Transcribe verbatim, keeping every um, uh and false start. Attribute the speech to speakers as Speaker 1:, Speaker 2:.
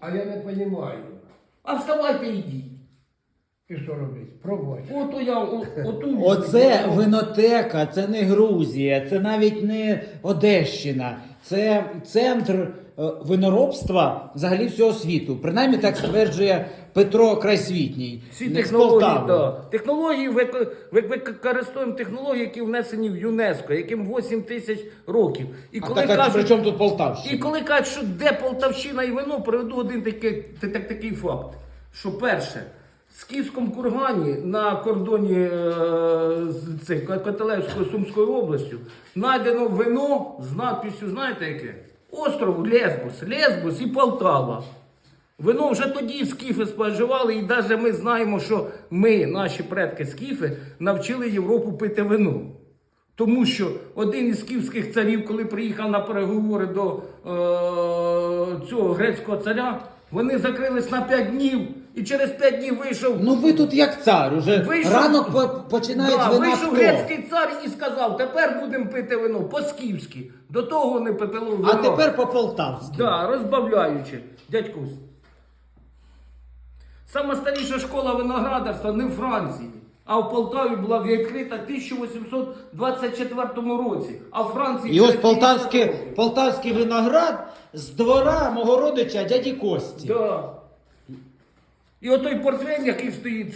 Speaker 1: А я не розумію.
Speaker 2: А вставайте і йдіть.
Speaker 1: І що робити? Пробувати.
Speaker 2: Ото я, о, оту.
Speaker 3: Оце винотека, це не Грузія, це навіть не Одещина. Це центр е, виноробства взагалі всього світу. Принаймні так стверджує Петро Крайсвітній.
Speaker 2: Всі
Speaker 3: не з
Speaker 2: технології,
Speaker 3: Полтави.
Speaker 2: да. Технології, вик- вик- використовуємо технології, які внесені в ЮНЕСКО, яким вісім тисяч років. І
Speaker 3: А
Speaker 2: коли
Speaker 3: так, а
Speaker 2: кажуть,
Speaker 3: при чому тут
Speaker 2: і
Speaker 3: Полтавщина?
Speaker 2: коли кажуть, що де Полтавщина і вино, приведу один такий, та- так, такий факт. Що перше, в Скіфському кургані на кордоні е, з цих, Котелевською Сумською областю знайдено вино з надписю, знаєте яке? Остров Лесбос, Лесбос і Полтава. Вино вже тоді скіфи споживали, і навіть ми знаємо, що ми, наші предки скіфи, навчили Європу пити вино. Тому що один із скіфських царів, коли приїхав на переговори до е- цього грецького царя, вони закрились на п'ять днів, і через п'ять днів вийшов...
Speaker 3: Ну ви тут як цар, уже
Speaker 2: Вийшов-
Speaker 3: ранок по- починають
Speaker 2: Да,
Speaker 3: з вина
Speaker 2: вийшов
Speaker 3: хто?
Speaker 2: грецький цар і сказав, тепер будемо пити вино по-скіфськи. До того вони пили вино.
Speaker 3: А тепер по-полтавськи.
Speaker 2: Да, розбавляючи. Дядькусь. Сама старіша школа виноградарства не в Франції, а в Полтаві була відкрита в тисяча вісімсот двадцять четвертому році. А в Франції...
Speaker 3: І ось
Speaker 2: через п'ятдесят
Speaker 3: полтавський,
Speaker 2: років.
Speaker 3: полтавський виноград з двора мого родича дяді Кості.
Speaker 2: Да. І отой портвейн, який стоїть,